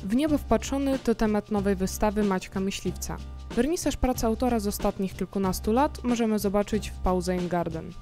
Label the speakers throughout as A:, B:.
A: W niebo wpatrzony to temat nowej wystawy Maćka Myśliwca. Wernisaż pracy autora z ostatnich kilkunastu lat możemy zobaczyć w Pause im Garden.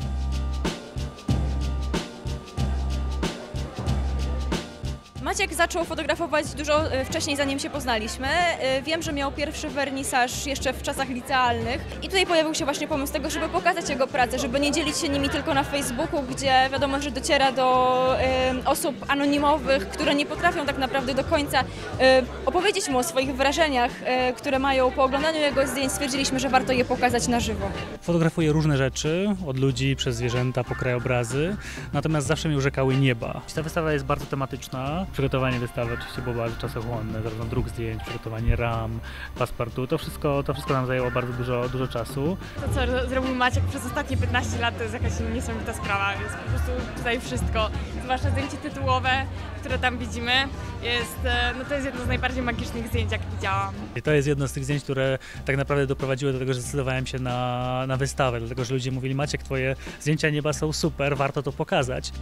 B: Maciek zaczął fotografować dużo wcześniej, zanim się poznaliśmy. Wiem, że miał pierwszy wernisaż jeszcze w czasach licealnych i tutaj pojawił się właśnie pomysł tego, żeby pokazać jego pracę, żeby nie dzielić się nimi tylko na Facebooku, gdzie wiadomo, że dociera do osób anonimowych, które nie potrafią tak naprawdę do końca opowiedzieć mu o swoich wrażeniach, które mają po oglądaniu jego zdjęć. Stwierdziliśmy, że warto je pokazać na żywo.
C: Fotografuję różne rzeczy, od ludzi, przez zwierzęta, po krajobrazy, natomiast zawsze mnie urzekały nieba. Ta wystawa jest bardzo tematyczna. Przygotowanie wystawy oczywiście było bardzo czasochłonne, zarówno druk zdjęć, przygotowanie ram, paszportu, to wszystko nam zajęło bardzo dużo czasu.
D: To, co zrobił Maciek przez ostatnie 15 lat, to jest jakaś niesamowita sprawa. Jest po prostu tutaj wszystko, zwłaszcza zdjęcie tytułowe, które tam widzimy, to jest jedno z najbardziej magicznych zdjęć, jak widziałam.
C: I to jest jedno z tych zdjęć, które tak naprawdę doprowadziły do tego, że zdecydowałem się na wystawę, dlatego że ludzie mówili: Maciek, twoje zdjęcia nieba są super, warto to pokazać.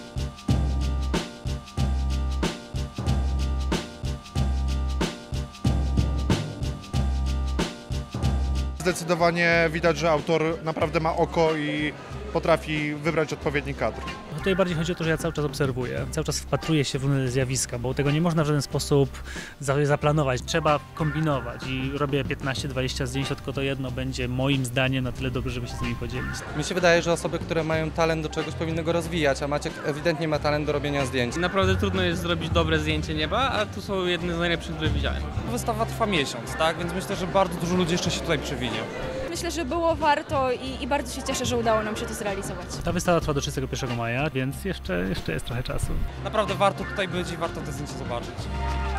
E: Zdecydowanie widać, że autor naprawdę ma oko i potrafi wybrać odpowiedni kadr.
C: Tutaj bardziej chodzi o to, że ja cały czas obserwuję, cały czas wpatruję się w różne zjawiska, bo tego nie można w żaden sposób zaplanować. Trzeba kombinować i robię 15-20 zdjęć, tylko to jedno będzie moim zdaniem na tyle dobre, żeby się z nimi podzielić.
F: Mi się wydaje, że osoby, które mają talent do czegoś, powinny go rozwijać, a Maciek ewidentnie ma talent do robienia zdjęć.
G: Naprawdę trudno jest zrobić dobre zdjęcie nieba, a tu są jedne z najlepszych, które widziałem.
F: Wystawa trwa miesiąc, tak? Więc myślę, że bardzo dużo ludzi jeszcze się tutaj przewinie.
B: Myślę, że było warto i bardzo się cieszę, że udało nam się to zrealizować.
C: Ta wystawa trwa do 31 maja, więc jeszcze jest trochę czasu.
F: Naprawdę warto tutaj być i warto te zdjęcia zobaczyć.